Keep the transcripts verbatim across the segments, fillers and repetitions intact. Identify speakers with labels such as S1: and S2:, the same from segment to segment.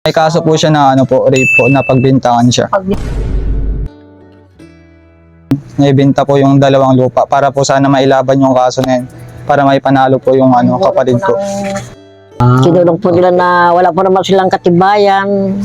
S1: May kaso po siya na ano po, rape po, na pagbintangan siya.
S2: Pag
S1: Naibenta po yung dalawang lupa para po sana mailaban yung kaso na yun. Para may panalo po yung ano, kapatid ko.
S2: Kinulong po nila na wala po naman silang katibayan.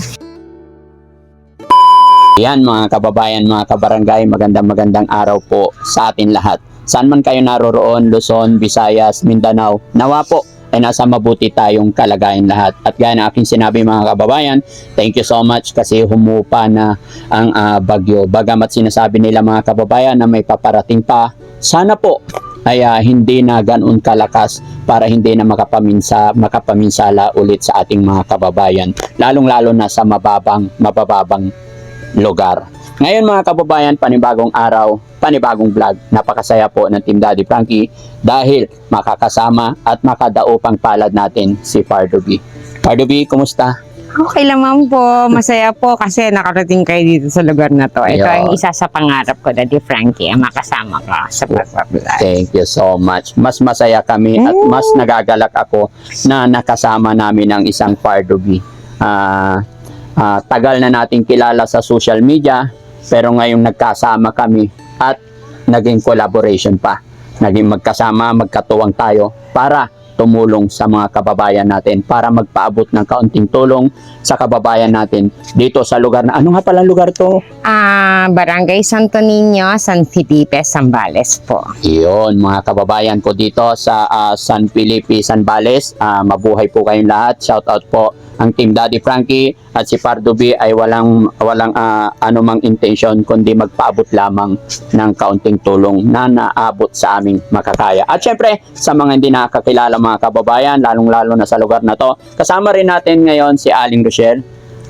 S3: Yan mga kababayan, mga kabarangay, magandang magandang araw po sa atin lahat. Saan man kayo naroroon, Luzon, Visayas, Mindanao, nawa po ay nasa mabuti tayong kalagayan lahat. At gaya na aking sinabi mga kababayan, thank you so much kasi humupa na ang uh, bagyo. Bagamat sinasabi nila mga kababayan na may paparating pa, sana po ay uh, hindi na ganoon kalakas para hindi na makapaminsa, makapaminsala ulit sa ating mga kababayan. Lalong-lalo na sa mababang, mabababang lugar. Ngayon mga kababayan, panibagong araw, panibagong vlog. Napakasaya po ng Team Daddy Frankie dahil makakasama at makadaupang palad natin si Pardo B. Pardo B, kumusta?
S4: Okay lamang po. Masaya po kasi nakarating kayo dito sa lugar na to. Ito
S3: Ayun.
S4: ang isa sa pangarap ko, Daddy Frankie, ang makasama ka sa pagbablog.
S3: Thank you so much. Mas masaya kami at mas nagagalak ako na nakasama namin ang isang Pardo B. Ah, ah, tagal na nating kilala sa social media pero ngayong nagkasama kami at naging collaboration pa. Naging magkasama, magkatuwang tayo para tumulong sa mga kababayan natin, para magpaabot ng kaunting tulong sa kababayan natin dito sa lugar na, ano nga pala lugar to?
S4: Ah, Barangay Santo Niño, San Felipe, Zambales po.
S3: Iyon, mga kababayan ko dito sa ah, San Felipe, Zambales. Ah, mabuhay po kayong lahat. Shout out po ang Team Daddy Frankie at si Pardo B ay walang walang ah, anumang intention kundi magpaabot lamang ng kaunting tulong na naabot sa aming makakaya. At syempre, sa mga hindi nakakilala mga kababayan, lalong-lalo na sa lugar na to, kasama rin natin ngayon si Aling Rochelle.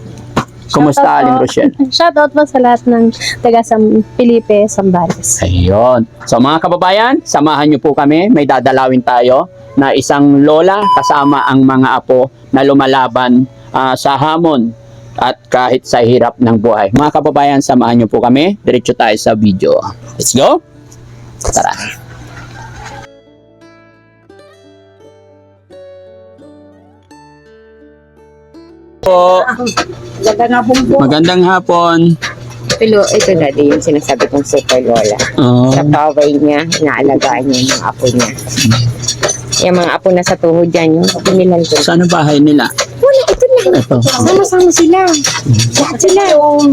S3: Kumusta,
S5: Shoutout
S3: Aling
S5: po.
S3: Rochelle?
S5: Shoutout po sa lahat ng taga San Felipe, Zambales.
S3: Ayun. So mga kababayan, samahan niyo po kami. May dadalawin tayo na isang lola kasama ang mga apo na lumalaban ah, sa hamon at kahit sa hirap ng buhay. Mga kababayan, samahan niyo po kami. Diretso tayo sa video. Let's go! Tara! Po. Magandang hapon.
S4: Pero ito, Daddy, yung sinasabi kong super lola.
S3: Oh.
S4: Sa kaway niya, inaalagaan niya yung mga apo niya. Yung mga apo na sa tuhod dyan, yung pinilan ko.
S3: Saan ang bahay nila?
S4: Wala, ito lang.
S3: Ito.
S4: Sama-sama sila. Lahat sila.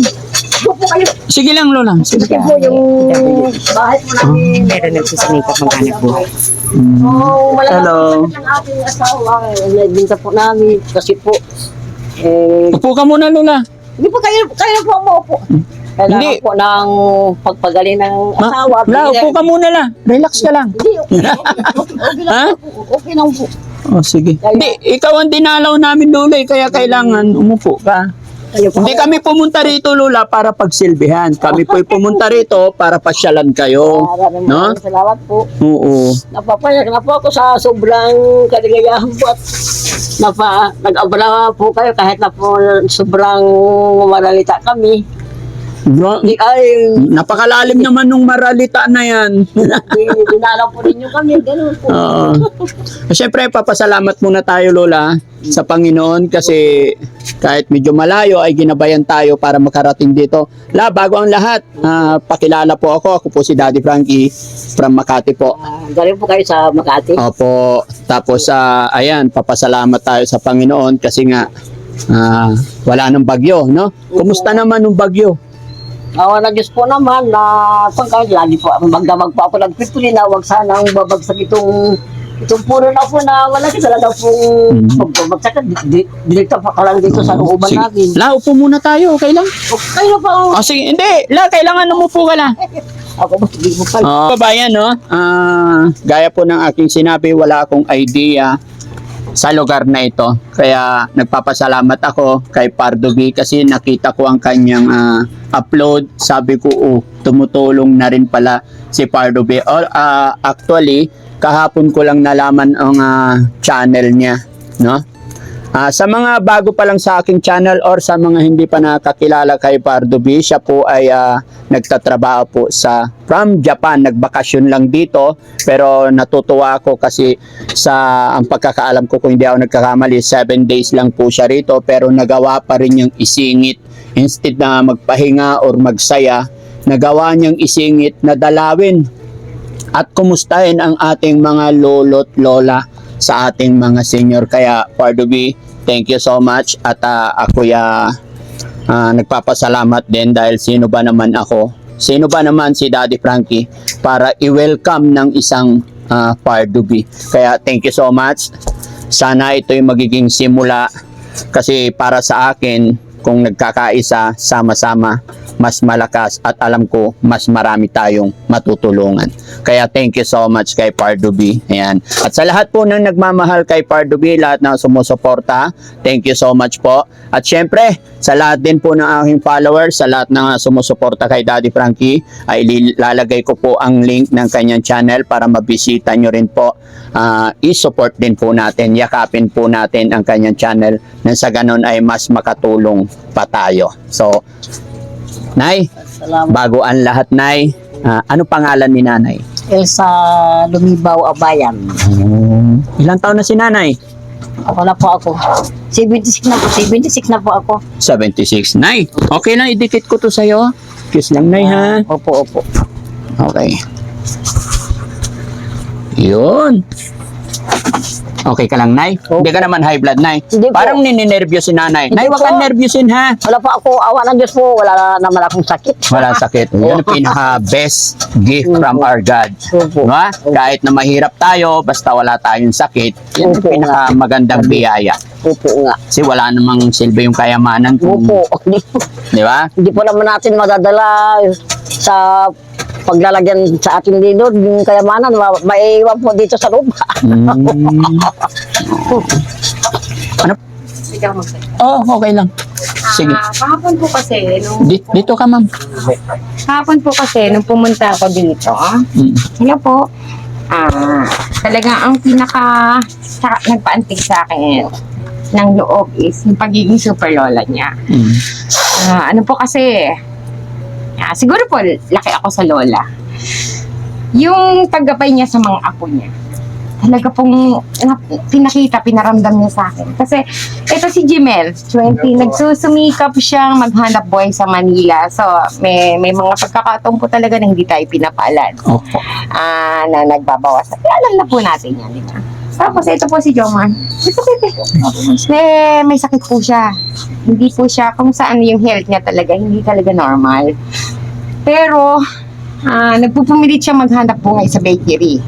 S3: Sige lang, Lola. Sige.
S2: Ito po yung bahay po namin.
S4: Pero nagsisimika maghanap buhay.
S2: Oh,
S3: Hello.
S2: malaki ng ating asawa. Nagbinta po namin kasi po, eh,
S3: Upo ka muna, Lola.
S2: hindi po kayo, kayo po umuupo. Kailangan
S3: Hindi.
S2: po ng pagpagaling ng
S3: Ma,
S2: asawa.
S3: La, upo ka muna la. Relax ka lang.
S2: Hindi, okay lang. Okay lang
S3: Ha?
S2: po. Okay lang po.
S3: Oh, sige. Hindi, ikaw ang dinalaw namin, Lola, eh, kaya kailangan umupo ka.
S2: Kayo po.
S3: Hindi kami pumunta rito, Lola, para pagsilbihan. Kami po'y pumunta rito para pasyalan kayo.
S2: Maraming
S3: No?
S2: maraming salamat po.
S3: Oo.
S2: Napapayag na po ako sa sobrang kaligayahan po at napa, nag-abala po kayo kahit na po sobrang malalita kami.
S3: Bro,
S2: Di ay,
S3: napakalalim naman nung maralita na yan.
S2: di- dinalaw po ninyo kami, ganun po.
S3: Oo. Siyempre, papasalamat muna tayo, Lola, sa Panginoon kasi kahit medyo malayo ay ginabayan tayo para makarating dito. La, bago ang lahat, ah, pakilala po ako. Ako po si Daddy Frankie from Makati po.
S2: Ah, galing po kayo sa Makati.
S3: Opo. Tapos, ah, ayan, papasalamat tayo sa Panginoon kasi nga ah, wala nang bagyo, no? Kumusta naman nung bagyo?
S2: Awa na Diyos po naman na kung kayo, lagi po magdamag po ako nagpipili na huwag sanang babagsak itong itong puno na po na wala kasi talaga pong
S3: Mhm.
S2: pagbabagsak. Di- Direkta pa ka lang dito sa looban
S3: Sige.
S2: namin.
S3: La, upo muna tayo. Okay lang?
S2: Okay, kayo na pa. oh.
S3: O, sige. Hindi. La, kailangan umupo ka la.
S2: Ako ba, hindi mo pa.
S3: Oh, babayan, no? Ah, gaya po ng aking sinabi, wala akong idea sa lugar na ito. Kaya nagpapasalamat ako kay Pardo B kasi nakita ko ang kanyang ah, upload. Sabi ko, oh, tumutulong na rin pala si Pardo B. Or, ah, actually, kahapon ko lang nalaman ang ah, channel niya, no? Ah, sa mga bago pa lang sa aking channel or sa mga hindi pa nakakilala kay Pardo B, siya po ay ah, nagtatrabaho po sa from Japan. Nagbakasyon lang dito, pero natutuwa ako kasi sa ang pagkakaalam ko, kung hindi ako nagkakamali, seven days lang po siya rito, pero nagawa pa rin niyang isingit. Instead na magpahinga or magsaya, nagawa niyang isingit na dalawin at kumustahin ang ating mga lolo't lola sa ating mga senior. Kaya Pardo B, thank you so much. At uh, ako ya uh, nagpapasalamat din dahil sino ba naman ako, sino ba naman si Daddy Frankie para i-welcome ng isang uh, Pardo B. Kaya thank you so much. Sana ito yung magiging simula, kasi para sa akin, kung nagkakaisa, sama-sama, mas malakas at alam ko mas marami tayong matutulungan. Kaya thank you so much kay Pardo B. Ayan. At sa lahat po ng nagmamahal kay Pardo B, lahat na sumusuporta, thank you so much po. At syempre, sa lahat din po ng aking followers, sa lahat na sumusuporta kay Daddy Frankie, ay lalagay ko po ang link ng kanyang channel para mabisita nyo rin po. Uh, i-support din po natin, yakapin po natin ang kanyang channel na sa ganun ay mas makatulong pa tayo. So, Nay,
S2: Salamat.
S3: bago ang lahat, Nay, ah, ano pangalan ni Nanay?
S2: Elsa Lumibaw Abayan.
S3: Ilang taon na si Nanay?
S2: Ako na po ako. seventy-six na po. seventy-six na po ako.
S3: seventy-six. Nay, okay lang, idikit ko to sa'yo. Kiss lang, Nay, ha?
S2: Opo, opo.
S3: Okay. Yun. Okay ka lang, Nay? Hindi ka naman high blood, Nay?
S2: Hindi po.
S3: Parang nininervyos si Nanay.
S2: Hindi
S3: Nay, wag
S2: po.
S3: kang nervyosin, ha?
S2: Wala po ako. Awa ng Diyos po. Wala naman akong sakit.
S3: Wala sakit. Yan ang pinaka-best gift from our God.
S2: Opo.
S3: Diba? Kahit na mahirap tayo, basta wala tayong sakit, yan ang
S2: Opo.
S3: pinaka-magandang biyaya.
S2: Opo nga.
S3: Kasi wala namang silbi yung kayamanan kung,
S2: Opo. Hindi po,
S3: di ba?
S2: hindi po naman natin madadala sa paglalagyan sa ating dito, yung kayamanan, ma- maiiwan po dito sa lupa.
S3: Mm. Ano?
S4: Ikaw magsalita.
S3: Oh, okay lang. Sige.
S4: Ah, kahapon po kasi, nung,
S3: Di- dito ka, ma'am.
S4: kahapon po kasi, nung pumunta ako dito,
S3: Mm.
S4: hello po, ah, talagang ang pinaka, sa, nagpaantig sa akin ng loob is yung pagiging super lola niya.
S3: Mm.
S4: Ah, ano po kasi, ah, siguro po, laki ako sa lola. Yung paggabay niya sa mga apo niya, talaga pong na, pinakita, pinaramdam niya sa akin. Kasi, ito si Jimel, twenty, nagsusumikap siyang maghanap buhay sa Manila. So, may, may mga pagkakataon po talaga na hindi tayo pinapaalan.
S3: Opo.
S4: Ah, na nagbabawas. Kaya alam na po natin yan, di ba? Tapos, ito po si Jomar. Ito, ito, ito. May, may sakit po siya. Hindi po siya, kung saan yung health niya talaga, hindi talaga normal. Pero, ah, nagpupumilit siya maghanap buhay sa bakery.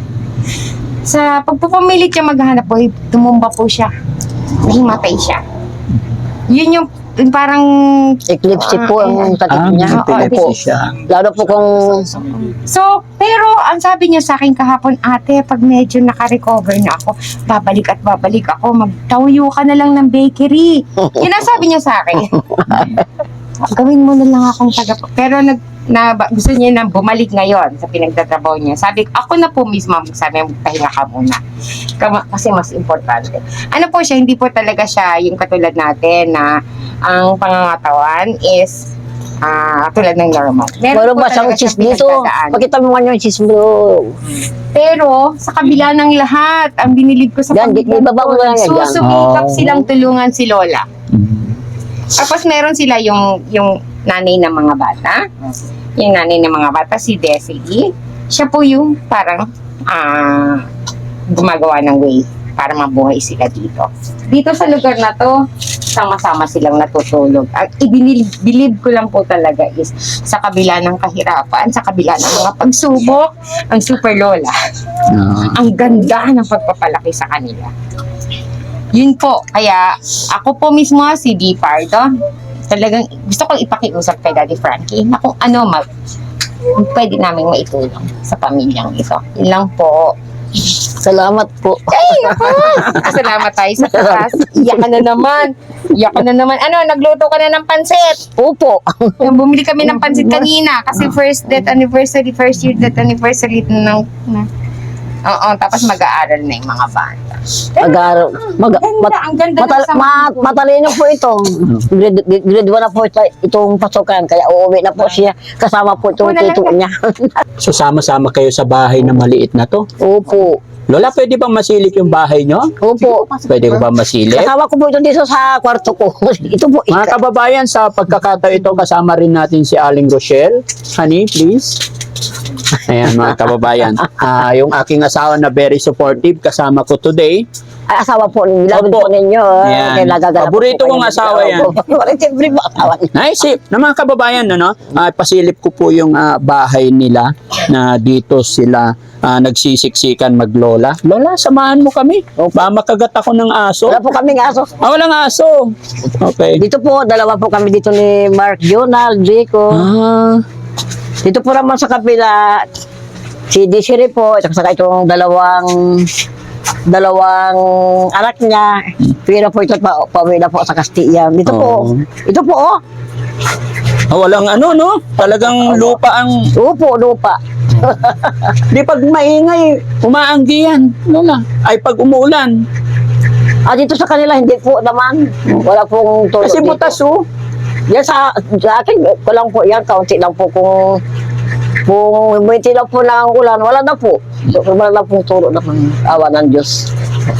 S4: Sa pagpupumilit siya maghanap buhay, tumumba po siya. Nahimatay siya. Yun yung, yung parang,
S2: Eclipse po ang sakit
S3: Ah,
S2: niya.
S3: may
S2: Opo.
S3: epilepsy siya.
S2: Lalo po kung
S4: so, pero ang sabi niya sa akin kahapon, ate, pag medyo naka-recover na ako, babalik at babalik ako, magtayo ka na lang ng bakery. Yun ang sabi niya sa akin. Gawin mo na lang akong taga... Pero nag, na, ba- gusto niya na bumalik ngayon sa pinagtatrabaho niya. Sabi, ako na po mismo, sabi, magpahinga ka muna. Kama- Kasi mas importante. Ano po siya, hindi po talaga siya yung katulad natin na ang pangangatawan is ah tulad ng normal.
S2: meron
S4: po
S2: ba siyang
S4: talaga
S2: cheese
S4: siyang
S2: dito?
S4: pinagdadaan.
S2: Pakita mo nga yung cheese bro.
S4: Pero sa kabila ng lahat, ang binilid ko sa
S2: Yan, di-
S4: pamilya
S2: ibaba mo
S4: ko,
S2: lang yan, yan.
S4: susumikap
S3: Oh.
S4: silang tulungan si Lola.
S3: Mm.
S4: Tapos meron sila yung yung nanay ng mga bata. Yung nanay ng mga bata, si Desi. Siya po yung parang ah gumagawa ng way para mabuhay sila dito. Dito sa lugar na to, sama-sama silang natutulog. Ang ibinilib ko lang po talaga is sa kabila ng kahirapan, sa kabila ng mga pagsubok, ang Super Lola,
S3: Ah.
S4: ang ganda ng pagpapalaki sa kanila. Yun po, kaya ako po mismo si D. Pardo, talagang gusto kong ipakiusap kay Daddy Frankie na kung ano mag pwede namin maitulong sa pamilyang ito. Yun lang po.
S2: Salamat po.
S4: Ay, naku! Salamat tayo sa taas. Iyak ka na naman. Iyak ka na naman. Ano, nagluto ka na ng pansit.
S2: Opo.
S4: Yung bumili kami ng pansit kanina kasi first death anniversary, first year death anniversary ng na, Oo, tapos mag-aaral na yung mga bata.
S2: Mag-aaral. Mag,
S4: Ganda,
S2: mat,
S4: ang ganda
S2: matal,
S4: ng sama
S2: mat,
S4: ko.
S2: matalino po ito. Grade, grade one na po ito, itong pasukan. Kaya uuwi na po siya. Kasama po itong
S4: Una lang
S2: tito niya.
S3: So sama-sama kayo sa bahay na maliit na to.
S2: Opo.
S3: Lola, pwede bang masilip yung bahay nyo?
S2: Opo.
S3: Pwede ko ba masilip?
S2: Kasama ko po ito dito sa kwarto ko. Ito po.
S3: Mga
S2: Ika.
S3: kababayan, sa pagkakataon ito, kasama rin natin si Aling Rochelle. Honey, please. Ayan, mga kababayan. Ah, yung aking asawa na very supportive, kasama ko today.
S2: Ay, asawa po. Nilapit
S3: Opo.
S2: po ninyo.
S3: Yan.
S2: Kaya nagaganap
S3: Paborito
S2: po
S3: kong
S2: kayo.
S3: asawa yan.
S2: Opo. Siyempre po asawa niya.
S3: Naisip na mga kababayan, ano, ah, pasilip ko po yung ah, bahay nila na dito sila ah, nagsisiksikan maglola. Lola, samahan mo kami. Ba makagat ako ng aso.
S2: Wala po kaming aso.
S3: Ah, walang aso. Okay.
S2: Dito po, dalawa po kami dito ni Mark Jonald, Rico.
S3: Ah,
S2: Dito po naman sa kapila, si Desiree po, at saka itong dalawang dalawang anak niya. Pero po ito pa, pauwi na po sa Castilla. Dito po.
S3: Oo.
S2: Ito po, oh.
S3: ah, walang ano, no? Talagang lupa ang...
S2: Upo, lupa.
S3: Di pag maingay, umaanggi yan. Lola. Ay, pag umuulan.
S2: Ah, dito sa kanila, hindi po naman. Wala pong tulog
S3: Kasi
S2: dito.
S3: butas, oh.
S2: Yan sa, sa akin, ko lang po yan, kaunti lang po kung kung buwiti lang po ng ulan, wala na po. Wala na pong turo na pang awa ng Diyos.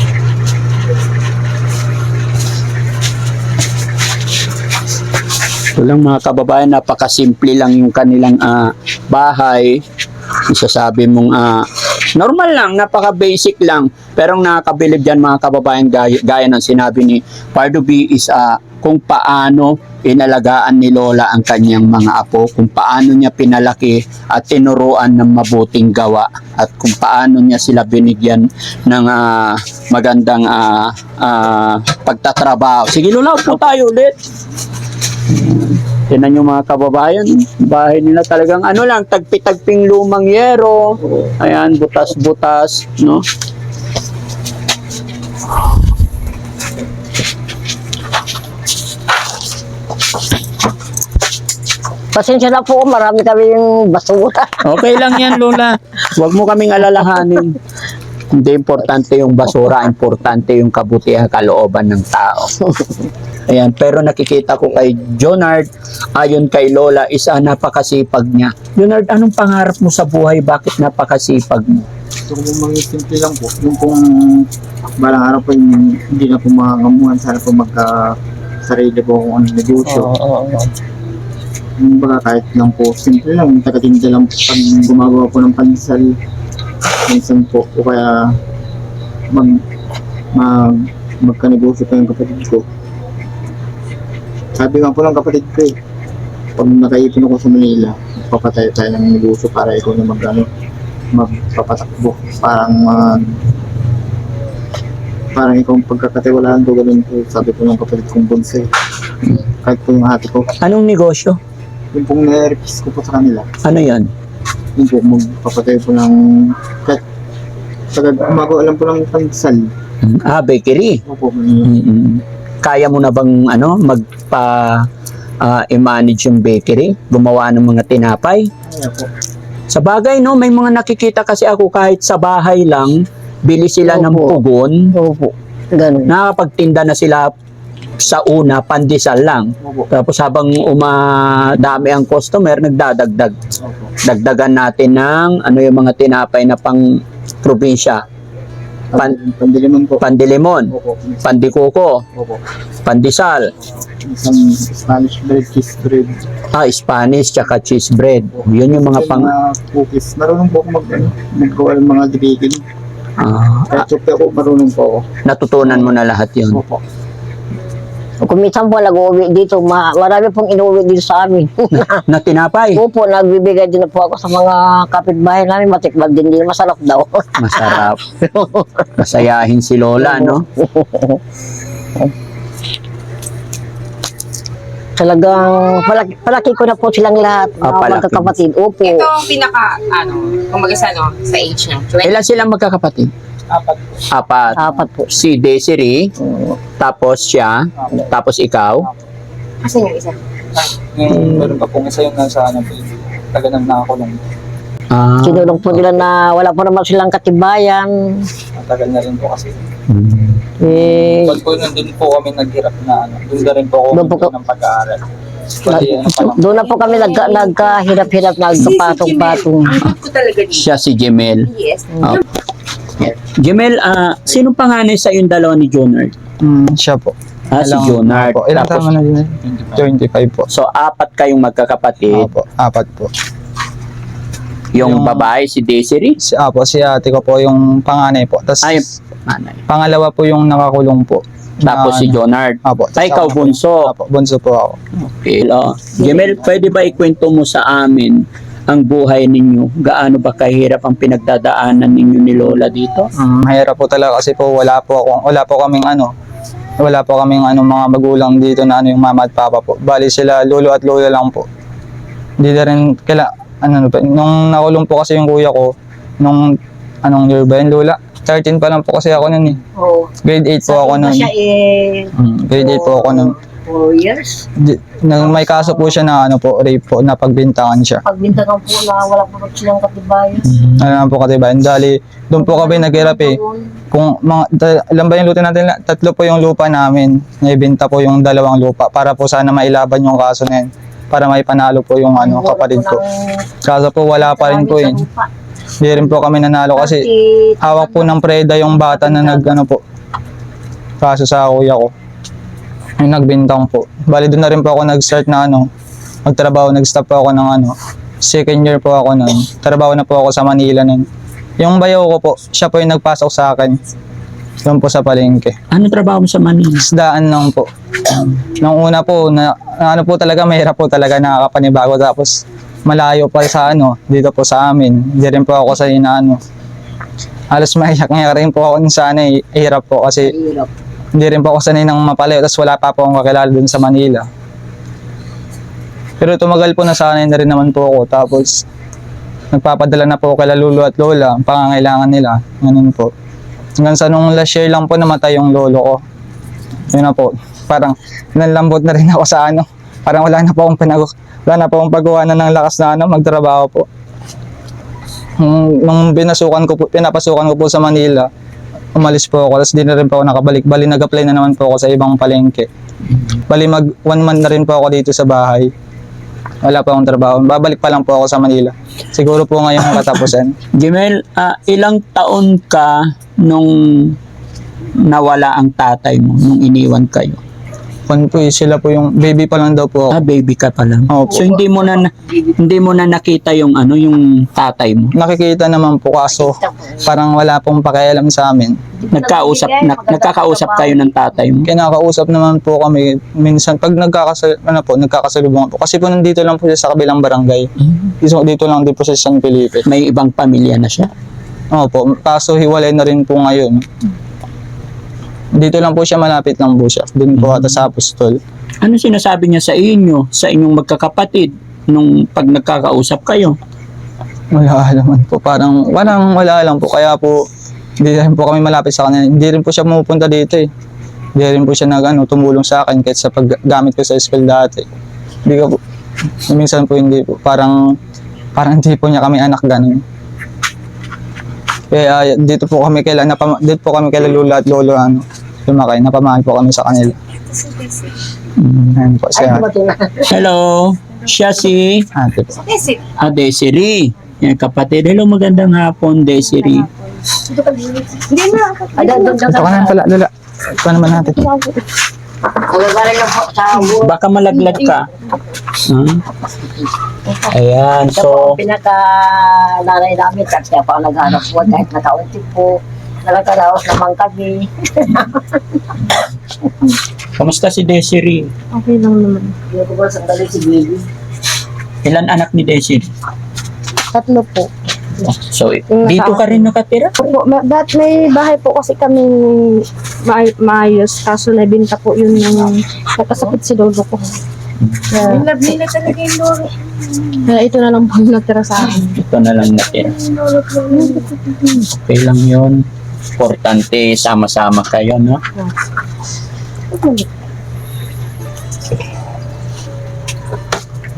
S3: Ito lang mga kababayan, napakasimple lang yung kanilang ah, bahay. Isasabi mong ah, normal lang, napaka-basic lang. Pero ang nakakabilib dyan mga kababayan, gaya, gaya ng sinabi ni Pardo B is ah, kung paano inalagaan ni Lola ang kanyang mga apo, kung paano niya pinalaki at tinuruan ng mabuting gawa, at kung paano niya sila binigyan ng ah, magandang ah, ah, pagtatrabaho. Sige Lola, upo tayo ulit. Tinan nyo mga kababayan, bahay nila talagang ano lang, tagpi-tagping lumang yero. Ayan, butas-butas, no?
S2: Pasensya na po, marami kami yung basura.
S3: Okay lang yan, Lola. Huwag mo kaming alalahanin. Hindi importante yung basura, importante yung kabutihan, kalooban ng tao. Ayan, pero nakikita ko kay Jonard, ayon kay Lola, isa napakasipag niya. Jonard, anong pangarap mo sa buhay? Bakit napakasipag mo?
S1: Gusto ko pong maging simple lang po. Yung pong balang araw po yung hindi na po makangamuhan. Sana po magka sarili po kung anong negosyo. Yung baga kahit lang po, simple lang. Yung tagatinda lang po pag gumagawa po ng pandesal. Minsan po. O kaya mag, mag magka-negosyo pa yung kapatid ko. Sabi nga po ng kapatid ko eh, pag nakaipon ako sa Manila, papatay tayo ng negosyo para ikaw na mag, ano, magpapatakbo. Parang mag, parang ikaw ang pagkakatiwalaan ko, ganun po. Sabi ko ng kapatid kong bonsai. Kahit po yung ate ko,
S3: Anong negosyo?
S1: yung pong na-request ko po sa kanila,
S3: Ano yan?
S1: yun po, magpapatay po ng, kahit, taga gumagawa lang po ng pandesal.
S3: Ah, bakery.
S1: Opo,
S3: Mm-mm. Kaya mo na bang ano magpa ah, i-manage yung bakery, gumawa ng mga tinapay?
S1: kaya po.
S3: Sa bagay no, may mga nakikita kasi ako kahit sa bahay lang, bili sila ng
S2: Opo.
S3: pugon,
S2: Opo, ganun.
S3: nakakapagtinda na sila sa una, pandesal lang.
S1: Opo,
S3: Tapos habang umadami ang customer, nagdadagdag.
S1: opo.
S3: Dagdagan natin ng ano yung mga tinapay na pang probinsya. Pan-
S1: Pan, pandiliman po.
S3: Pandilimon,
S1: Opo,
S3: pandikuko,
S1: opo.
S3: pandesal,
S1: Isang Spanish bread, cheese bread.
S3: ah, Spanish, tsaka cheese bread. Yun yung mga pang...
S1: mga cookies. Marunong po ako mag, ano, maggawa ng mga baking.
S3: ah,
S1: Kahit sope ako, marunong po ako.
S3: natutunan mo na lahat yun.
S1: Opo.
S2: Kung minsan po nag-uwi dito, ma marami pong inuwi dito sa amin.
S3: Na tinapay.
S2: Opo, nagbibigay din na po ako sa mga kapitbahay namin, matikman din din, masarap daw.
S3: Masarap. Masayahin si Lola, no?
S2: Talagang palaki, palaki ko na po silang lahat,
S3: Ah,
S2: mga
S3: palaki.
S2: magkakapatid. Opo.
S4: Ito ang pinaka, ano, kumbaga sa, ano, sa age ng twenty.
S3: Ilan silang magkakapatid?
S1: Apat.
S3: Apat.
S2: Apat po.
S3: Si Desiree, tapos siya, tapos ikaw.
S4: Kasi yung isa.
S1: Yung meron pa pong isa yung nasa ano po, taga nang nakakulong.
S3: Ah,
S2: Kinulong po nila na wala po naman silang katibayan.
S6: Matagal na rin po kasi.
S3: mm.
S2: Eh,
S6: Pag po nandun po kami naghirap na ano, doon na rin po ako
S2: Doon po
S6: huminto ng pag-aaral. Bali, ano pa lang.
S2: doon na po kami nagka, nagkahirap-hirap, nagkapatong-patong.
S4: Ang ko talaga dito.
S3: Siya si Jemel.
S4: Yes.
S3: Ah. Jemel, ah, sinong panganay sa yung dalawa ni Jonard?
S6: Mm, siya po.
S3: Ah, si
S6: Ilang-
S3: Jonard.
S6: Opo. Ilang
S3: Tapos-
S6: tama na din? twenty-five po.
S3: So, apat kayong magkakapatid.
S6: Opo, apat po.
S3: Yung
S6: Yung-
S3: babae, si Desiree.
S6: Si, apo, si ate ko po yung panganay po. Tapos
S3: Ay, nanay.
S6: pangalawa po yung nakakulong po.
S3: Tapos
S6: Na-
S3: si Jonard.
S6: Apo.
S3: Ay, ikaw bunso.
S6: Apo, bunso po ako.
S3: Okay. Oh. Jemel, pwede ba ikwento mo sa amin ang buhay ninyo? Gaano ba kahirap ang pinagdadaanan ninyo ni Lola dito?
S6: Mm, mahirap po talaga kasi po wala po ako, wala po kaming ano, wala po kaming ano mga magulang dito na ano yung mama at papa po. Bali sila lolo at lola lang po. Hindi na rin kaila ano, ano pa, nung nakulong po kasi yung kuya ko nung anong year ba yun, lola? thirteen pa lang po kasi ako nun eh.
S2: Oh,
S6: Grade eight po ako nun.
S2: siya eh,
S6: Mm, grade eight po ako nun.
S2: four years.
S6: Di, nang may kaso po siya na ano po, rape po, na pagbintangan siya.
S2: Pagbintangan po na wala po silang katibayan.
S6: Ano naman po katibayan. Dali, doon po kami naghirap eh. Kung mga, ta- ilan ba yung lupa natin? Tatlo po yung lupa namin. Naibenta po yung dalawang lupa para po sana mailaban yung kaso na yun. Para may panalo po yung ano, kapatid ko. Kaso po wala pa rin po yun. Hindi rin po kami nanalo kasi hawak po ng preda yung bata na nag ano po. Kaso sa kuya ko. Yung nagbintang po. Bali doon na rin po ako nag-start na ano, magtrabaho, nag-stop po ako ng ano, second year po ako nun. Trabaho na po ako sa Manila nun. Yung bayaw ko po, siya po yung nagpasok sa akin. Doon po sa palengke.
S3: Ano trabaho mo sa Manila?
S6: Isdaan lang po. Nung una po, na, na ano po talaga, mahirap po talaga nakakapanibago. Tapos malayo pa sa ano, dito po sa amin. Hindi rin po ako sa inaano. Halos maiyak-iyak rin po ako sa ano, eh, hirap po kasi
S2: Hirap.
S6: hindi rin po ako sanay ng mapalayo. Tapos wala pa po akong kakilala dun sa Manila. Pero tumagal po, nasanay na rin naman po ako. Tapos nagpapadala na po kay lolo at lola ang pangangailangan nila. Ganun po. Hanggang sa nung last year lang po namatay yung lolo ko. Yun na po. Parang nanlambot na rin ako sa ano. Parang wala na po akong pinag wala na po akong paggawa na ng lakas na ano, magtrabaho po. Nung, nung binasukan ko po, pinapasukan ko po sa Manila, umalis po ako. Tapos di na rin po ako nakabalik. Bali nag-apply na naman po ako sa ibang palengke. Bali mag one month na rin po ako dito sa bahay. Wala pa akong trabaho. Babalik pa lang po ako sa Manila. Siguro po ngayon ang katapusan.
S3: Jemel, ah, ilang taon ka nung nawala ang tatay mo, nung iniwan kayo?
S6: Kung po eh, sila po yung baby pa lang daw po
S3: Ah,
S6: ako.
S3: baby ka pa lang.
S6: Opo.
S3: So hindi mo na na- hindi mo na nakita yung ano, yung tatay mo.
S6: Nakikita naman po kaso parang wala pong pakialam sa amin.
S3: Nagkausap na, nagkakausap kayo ng tatay mo.
S6: Kinakausap naman po kami minsan pag nagkakasal ano po, nagkakasalubungan po. Kasi po nandito lang po siya sa kabilang barangay. Dito, dito lang din po siya sa San Felipe.
S3: May ibang pamilya na siya.
S6: Opo, kaso hiwalay na rin po ngayon. Dito lang po siya, malapit lang po siya. Doon po ata sa Apostol.
S3: Ano sinasabi niya sa inyo, sa inyong magkakapatid nung pag nagkakausap kayo?
S6: Wala naman po, parang parang wala lang po. Kaya po, hindi rin po kami malapit sa kanya. Hindi rin po siya pumupunta dito eh. Hindi rin po siya nag, ano, tumulong sa akin kahit sa paggamit ko sa school dati. Hindi ko po, minsan po hindi po. Parang, parang hindi po niya kami anak ganun. Kaya dito po kami kailan, napama, dito po kami kailan lula at lolo ano, lumakay. Napamahal po kami sa kanila. Ayun po siya.
S3: Hello, siya si
S6: Ate po.
S4: Kasi,
S3: ah, Desiree. Yan, kapatid. Hello, magandang hapon, Desiree.
S4: hindi na.
S6: Ito ka na pala, lula. Ito naman natin.
S2: Nagagaling lang po sa buwan.
S3: Baka malaglag ka. Hmm? Ayan, so,
S2: So, pinaka nanay namin kasi kaya pa ako naghanap po kahit nakaunti po. Nagkaraos naman kami.
S3: kamusta si Desiree?
S5: Okay lang naman.
S2: Hindi ko ba sandali si Baby?
S3: Ilan anak ni Desiree?
S5: Tatlo po.
S3: So, dito ka rin nakatira?
S5: Opo, ma- that may bahay po kasi kami ma- maayos. Kaso nabinta po yun yung nakasakit si lolo ko. Kaya,
S4: Lovely na talaga yung loro.
S5: kaya ito na lang po yung natira sa akin.
S3: Ito na lang natira. Okay lang yun. Importante, sama-sama kayo, no?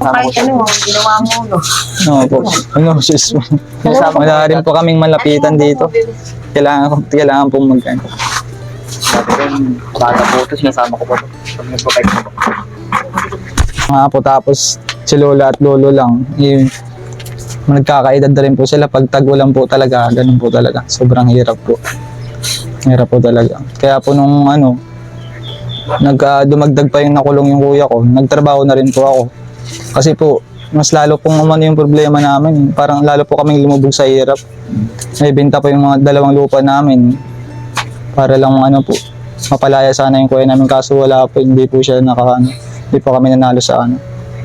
S4: Kahit ano,
S2: Ginawa mo, no?
S6: Oo po. Ano, sis po. Wala rin po kaming malapitan dito. Kailangan, kailangan pong mag-ano.
S1: Sabi ko, bata po ito, sinasama ko pa ito. Pag nagpapay ko po.
S6: Mga po tapos si lola at lolo lang. Yung, nagkakaedad na rin po sila. Pag tag-ulan po talaga, ganun po talaga. Sobrang hirap po. Hirap po talaga. Kaya po nung ano, nag, ah, dumagdag pa yung nakulong yung kuya ko, nagtrabaho na rin po ako. Kasi po, mas lalo pong umano yung problema namin. Parang lalo po kaming lumubog sa hirap. May benta po yung mga dalawang lupa namin. Para lang ano po, mapalaya sana yung kuya namin. Kaso wala po, hindi po siya naka, ano, hindi po kami nanalo sa ano.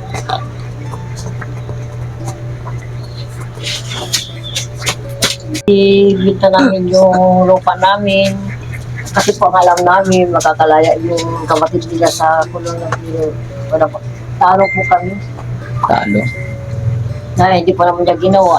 S2: Ibita namin yung lupa namin. Kasi po ang alam namin, makakalaya yung kapatid nila sa kulong ng biro. Wala po. Talo po kami.
S3: Talo.
S2: Na hindi po naman niya ginawa.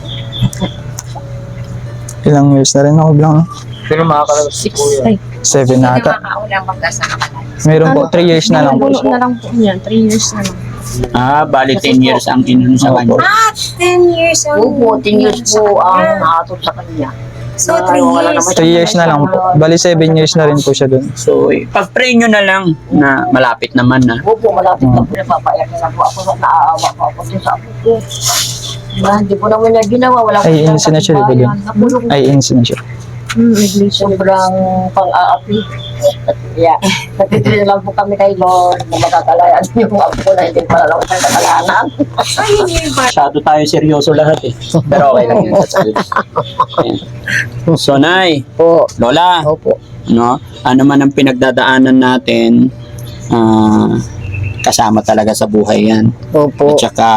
S6: Ilang years na rin ako bilang, no?
S1: Pero makakalabas si Kuya.
S6: Seven
S4: Hindi
S6: ata.
S4: nakakaulang magkasama.
S6: Meron po, three years na lang po.
S5: Puno na lang po yan. Three years na lang.
S3: Ah, bali ten years ang inun sa kanya.
S4: Ah, ten years ang...
S2: Opo, ten years po ang naatod sa kanya.
S4: So,
S2: Na,
S4: three
S2: wala
S4: years.
S2: naman siya
S6: Three years na lang po. Bali, seven years na rin po siya dun.
S3: So, eh, pag-pray nyo na lang na malapit naman na.
S2: Opo, malapit na po. Napapayak na po ako. Naaawa po ako din sa apo ko. Diba, hindi po naman niya ginawa. Wala po
S6: Ay,
S2: siyang
S6: insin na siya,
S2: katibayan.
S6: diba?
S2: Nakulong
S6: Ay, insin na siya.
S5: Hmm, negligent.
S2: sobrang pang-aapi. Yeah. Nagtitril lang po kami kay Lord na magkakalayaan yung apo ko na hindi pala lang siyang kakalanan.
S4: Ayun yung ba?
S3: Masyado tayo seryoso lahat eh. Pero okay lang yun. That's good. Ayan. So, Nay,
S2: Po.
S3: Lola,
S2: Opo.
S3: no? Ano man ang pinagdadaanan natin, ah, kasama talaga sa buhay yan.
S2: Opo.
S3: At saka,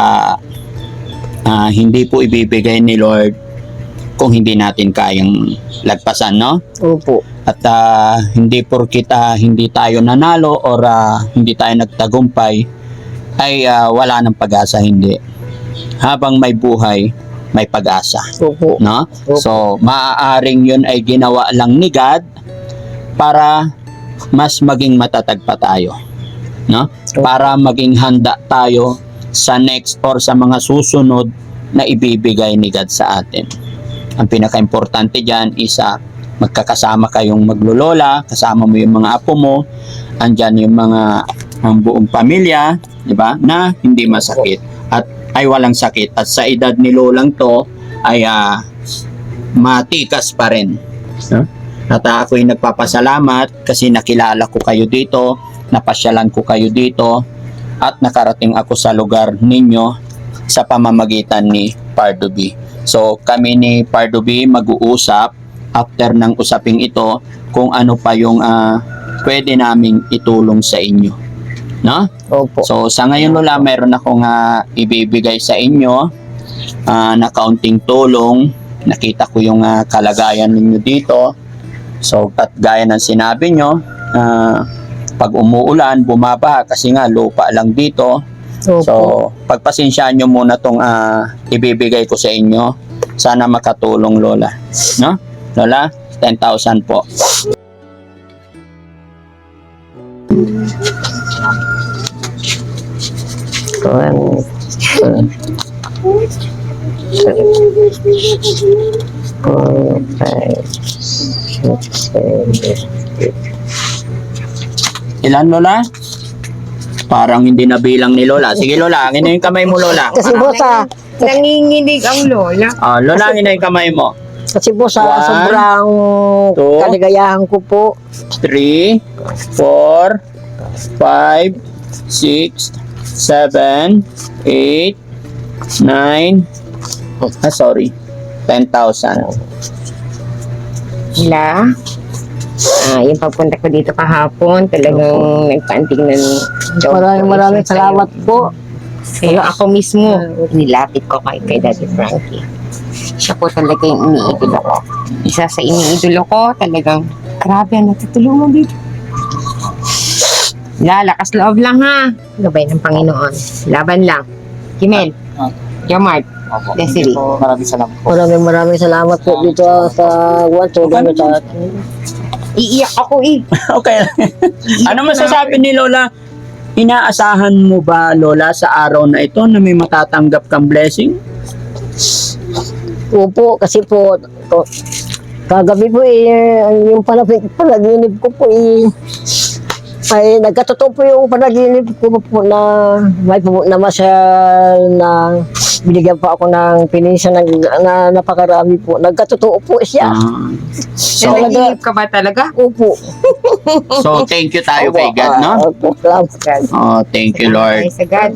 S3: ah, hindi po ibibigay ni Lord kung hindi natin kayang lagpasan, no?
S2: Opo.
S3: At ah, hindi porkit ah, hindi tayo nanalo or ah, hindi tayo nagtagumpay ay ah, wala ng pag-asa, hindi. Habang may buhay, may pag-asa,
S2: Opo.
S3: no?
S2: Opo.
S3: So, maaaring yun ay ginawa lang ni God para mas maging matatag pa tayo, no? Para maging handa tayo sa next or sa mga susunod na ibibigay ni God sa atin. Ang pinaka-importante dyan is uh, magkakasama kayong maglolola, kasama mo yung mga apo mo, andyan yung mga ang buong pamilya, di ba, na hindi masakit at ay walang sakit. At sa edad ni lolang to ay uh, matikas pa rin. No? At uh, ako'y nagpapasalamat kasi nakilala ko kayo dito, napasyalan ko kayo dito, at nakarating ako sa lugar ninyo sa pamamagitan ni Pardubi. So kami ni Pardubi mag-uusap after ng usaping ito kung ano pa yung uh, pwede naming itulong sa inyo, no?
S2: Opo.
S3: So sa ngayon Lola, meron akong uh, ibibigay sa inyo uh, na kaunting tulong. Nakita ko yung uh, kalagayan ninyo dito. So at gaya ng sinabi nyo, uh, pag umuulan, bumaba kasi nga lupa lang dito.
S2: Opo.
S3: So, pagpasensyaan nyo muna tong ah, ibibigay ko sa inyo. Sana makatulong, Lola. No? Lola, ten thousand po.
S2: One, two, three, four, five, six, seven, eight.
S3: Ilan, Lola? Parang hindi nabilang ni Lola. Sige, Lola, angin na yung kamay mo, Lola.
S2: Kasi po sa,
S4: Nanginginig ang lola.
S3: Ah, Lola, angin na yung kamay mo.
S2: kasi po sa
S3: One,
S2: sobrang
S3: two,
S2: kaligayahan ko po,
S3: three, four, five, six, seven, eight, nine, ah, sorry, ten thousand.
S4: Wala. Ah, yung pagpunta ko dito kahapon, talagang nagpaanting ng job.
S2: maraming maraming salamat po.
S4: Kaya ako mismo, nilapit ko kay, kay Daddy Frankie. Siya po talaga yung iniidolo ko. Isa sa iniidolo ko, talagang, grabe, ang natutulungan dito. Lalakas loob lang ha. Gabay ng Panginoon. Laban lang. Kimel, Jamart, Desiree.
S1: Maraming salamat po.
S2: Maraming maraming salamat po dito sa Wato. Gano'n sa
S4: Iiyak ako eh.
S3: Okay. Ano masasabi ni Lola? inaasahan mo ba, Lola, sa araw na ito na may matatanggap kang blessing?
S2: Opo, kasi po, to, kagabi po eh, yung panag- panaginip ko po eh, ay nagkatotoo po yung panaginip ko po na may po na masyal na binigyan pa ako ng pinisa na, na napakarami po. Nagkatotoo po siya.
S3: Ah.
S4: So,
S3: so,
S4: naginip ka ba talaga?
S2: Opo.
S3: so, thank you tayo kay God, no?
S2: Opo, salamat.
S3: Oh, thank you, Lord.
S4: Ay, sa God.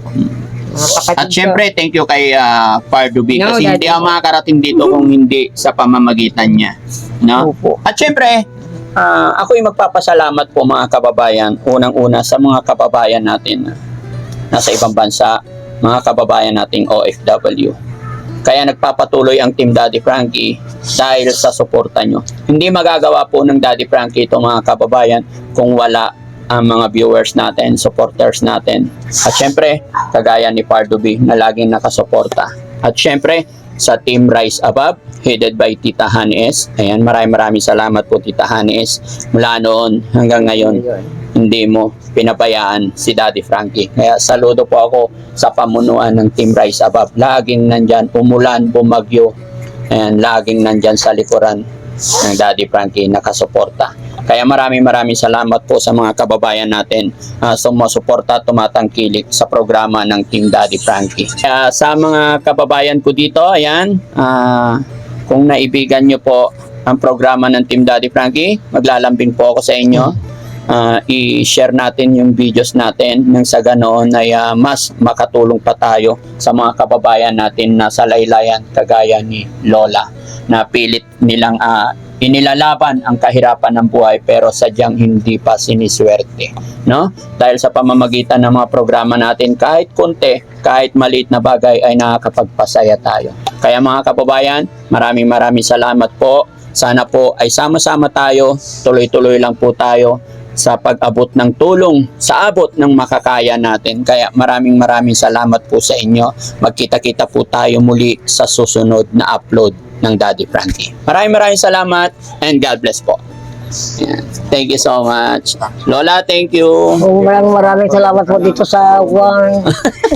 S4: Mga kapatid
S3: At
S4: ko.
S3: syempre, thank you kay uh, Pardubi
S4: No,
S3: kasi
S4: Daddy.
S3: hindi ako makakarating dito kung hindi sa pamamagitan niya. No?
S2: Opo.
S3: At syempre, ah, ako'y magpapasalamat po mga kababayan. Unang-una sa mga kababayan natin na nasa ibang bansa, mga kababayan nating O F W. Kaya nagpapatuloy ang Team Daddy Frankie dahil sa suporta nyo. Hindi magagawa po ng Daddy Frankie ito mga kababayan kung wala ang mga viewers natin, supporters natin. At syempre, kagaya ni Pardubi na laging nakasuporta. At syempre, sa Team Rise Above, headed by Tita Hanes. Ayan, maraming maraming salamat po Tita Hanes. Mula noon hanggang ngayon, hindi mo pinabayaan si Daddy Frankie. Kaya saludo po ako sa pamunuan ng Team Rise Above. Laging nandyan, umulan, bumagyo. Ayan, laging nandyan sa likuran ng Daddy Frankie nakasuporta. Kaya maraming maraming salamat po sa mga kababayan natin uh, sumusuporta, tumatangkilik sa programa ng Team Daddy Frankie. Kaya sa mga kababayan ko dito, ayan, uh, kung naibigan nyo po ang programa ng Team Daddy Frankie, maglalambing po ako sa inyo. Uh, i-share natin yung videos natin nang sa ganoon ay uh, mas makatulong pa tayo sa mga kababayan natin na sa laylayan kagaya ni Lola na pilit nilang uh, inilalaban ang kahirapan ng buhay pero sadyang hindi pa siniswerte, no? Dahil sa pamamagitan ng mga programa natin kahit konti, kahit maliit na bagay ay nakakapagpasaya tayo. Kaya mga kababayan, maraming maraming salamat po. Sana po ay sama-sama tayo, tuloy-tuloy lang po tayo sa pag-abot ng tulong sa abot ng makakaya natin. Kaya maraming maraming salamat po sa inyo. Magkita-kita po tayo muli sa susunod na upload ng Daddy Frankie. Maraming maraming salamat and God bless po. Ayan. Thank you so much. Lola, thank you.
S2: Oh, maraming maraming salamat po dito sa one.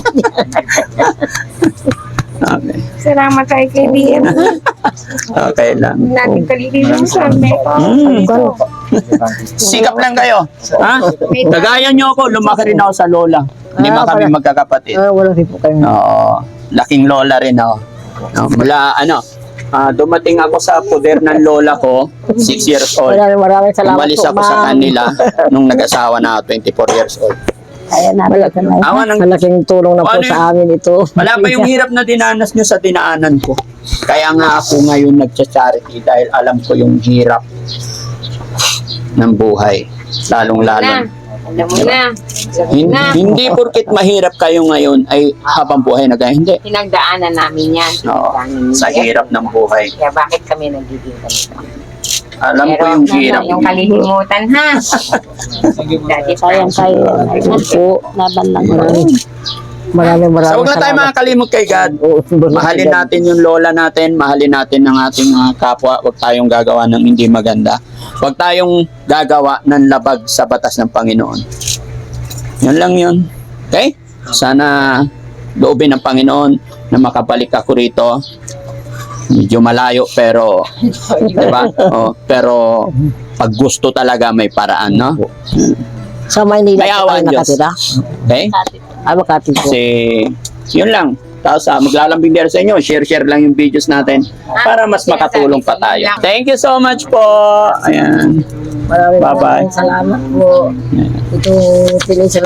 S3: Okay.
S4: Salamat kay K B M.
S3: Okay lang.
S4: Natin kalilin sa Mexico.
S3: Mm. Sikap lang kayo. Ha? Kagaya nyo ako, lumaki rin ako sa lola. Lima
S2: Ah,
S3: kami
S2: pala.
S3: magkakapatid.
S2: Ah, wala rin po kayo.
S3: Oo. Laking lola rin ako. No, mula ano, ah, dumating ako sa poder ng lola ko, six years old.
S2: Maraming maraming salamat
S3: Umalis
S2: po,
S3: ako sa
S2: ma'am.
S3: kanila nung nag-asawa na ako, twenty-four years old.
S2: Ayan, malaking,
S3: Awa ng,
S2: malaking tulong na po
S3: Ano yun?
S2: sa amin ito.
S3: wala pa yung hirap na dinanas nyo sa dinaanan ko. Kaya nga ako ngayon nagcha-charity dahil alam ko yung hirap ng buhay. Lalong-lalong.
S4: Alam mo na.
S3: Hin-
S4: Na.
S3: hindi porkit mahirap kayo ngayon ay habang buhay na kayo. Hindi.
S4: Pinagdaanan namin yan.
S3: Oo,
S4: Pinagdaanan
S3: sa
S4: yan.
S3: hirap ng buhay.
S4: Kaya bakit kami nagiging ganito?
S3: Alam ko
S4: Pero
S3: yung
S4: ano,
S3: hirap.
S4: yung kalilimutan ha. Dati
S5: Sayang kayo.
S2: Po,
S5: Laban lang.
S2: maraming maraming maraming
S3: So huwag na tayo
S2: salamat.
S3: makakalimot kay God.
S2: Oo, sunod na
S3: Mahalin
S2: si God.
S3: natin yung lola natin, mahalin natin ang ating mga kapwa. Huwag tayong gagawa ng hindi maganda. Huwag tayong gagawa ng labag sa batas ng Panginoon. Yun lang yun. Okay? Sana loobin ng Panginoon na makabalik ako rito. Medyo malayo pero, diba? Oh, pero pag gusto talaga may paraan, no?
S2: Sa Maynila
S3: May
S2: po
S3: awa
S2: tayo
S3: ang Diyos.
S2: nakatira.
S3: Okay?
S2: Ay, Makati po.
S3: Kasi, yun lang. Tapos uh, maglalambing din sa inyo, share-share lang yung videos natin para mas makatulong pa tayo. Thank you so much po. Ayan.
S2: Maraming
S3: Bye-bye.
S2: maraming salamat po. Ito, pinay